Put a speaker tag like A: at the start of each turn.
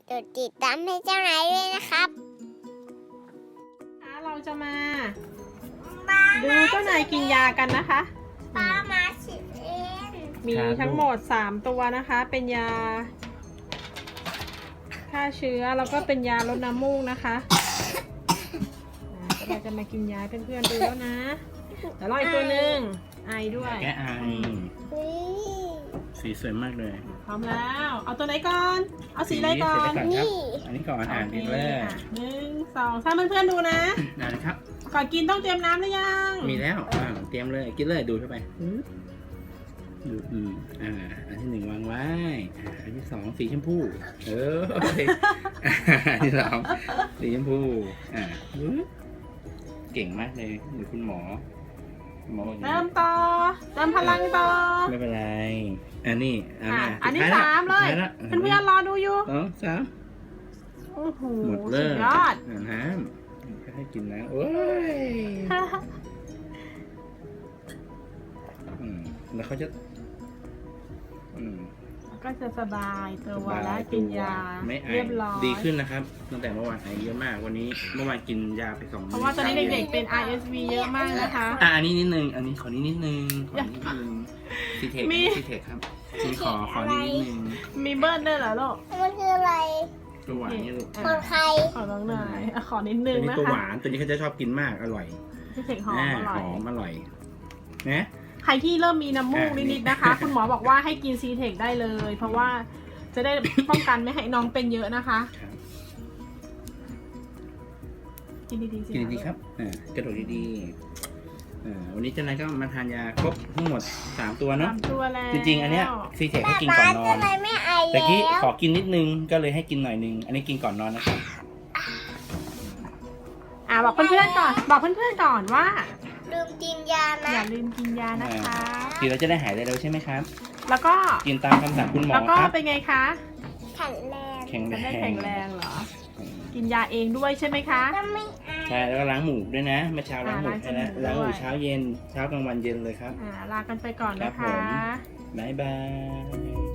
A: กดติดตามให้เจ้านายด้วยนะครับ
B: เราจะมาดูเจ้านายกินยากันนะคะ
A: ป้ามาฉีดเอง
B: มีทั้งหมด3ตัวนะคะ เป็นยาฆ่าเชื้อแล้วก็เป็นยาลดน้ำมูกนะคะเราจะมากินยาเพื่อนๆดูแล้วนะเดี๋ยวรออีกตัวหนึ่งไอด้วย
C: แกไอสีสวยมากเลย
B: พร้อมแล้วเอาตัวไหนก่อนเอาสีอะไรก่อน
A: นี่
C: อันนี้ก่อนอ่านดีเลย
B: 1 2 3เพื่อนๆดูนะ
C: ได้เลยครับ
B: ก่อนกินต้องเตรียมน้ำหรือยัง
C: มีแล้วเตรียมเลยกินเลยดูดเข้าไปดูอันที่1วางไว้อันที่2สีชมพูอันที่3สีชมพูเก่งมากเลยหรือคุณหมอบอก
B: เริ่มต่อเติมพลังต่อ
C: ไม่เป็นไรอันนี้
B: อันนี้3เลยเพื่อนๆรอดูอยู่
C: 2 3
B: โอ้โห
C: หมดเลย
B: สุดยอด
C: น้ำให้กินนะโอ้ยแล้วเขาจะ
B: ก็จะสบายตัวแล้วกินยาเรียบร้อย
C: ดีขึ้นนะครับตั้งแต่เมื่อวานไอเยอะมากวันนี้เมื่อวานกินยาไป2
B: เพราะว่าตอนนี้เด็กๆเป็น RSV เยอะมากนะคะ
C: อันนี้นิดนึงอันนี้ขอนิดนึงซีเทคครับซีขอนิดนึง
B: มีเบิร์ดด้วยเหรอลูก
A: มันคืออะไร
C: ตัวหวานนี่ลูก
A: ของใคร
B: ขอน้องหน่อยขอนิดนึงนะคะ
C: ตัวหวานตัวนี้เขาจะชอบกินมากอร่อย
B: ซีเทคหอมอร่อย
C: นะ
B: ใครที่เริ่มมีน้ำมูกนิดๆนะคะ คุณหมอบอกว่าให้กินซีเทคได้เลย เพราะว่าจะได้ป้องกันไม่ให้น้องเป็นเยอะนะคะกินดีๆสิ
C: กินดีๆครับกระโดดดีๆวันนี้เจ้านายก็มาทานยาครบทั้งหมด3ตัวเนาะ
B: 3ตัวแล้ว
C: จริงๆอันเนี้ยซีเทคให้กินก่อนนอนแต่กี้ขอกินนิดนึงก็เลยให้กินหน่อยนึงอันนี้กินก่อนนอนนะครับ
B: บอกเพื่อนๆก่อนบอกเพื่อนๆก่อนว่า
A: ลืมกินยานะ
B: อย่าลืมกินยานะคะ
C: กินแล้วจะได้หายเร็วใช่ไหมครับ
B: แล้วก็
C: กินตามคำสั่งคุณหมอครับ
B: แล้วก็เป็นไงคะ
A: แข็งแรง
B: จะได้แข็งแรงเหรอกินยาเองด้วยใช่ไหมคะ
C: ใช่แล้วก็ล้างหมูด้วยนะเมื่อเช้าล้างหมูใช่ไหมล้างหมูเช้าเย็นเช้ากลางวันเย็นเลยครับ
B: ลากันไปก่อนนะคะ
C: บ๊ายบาย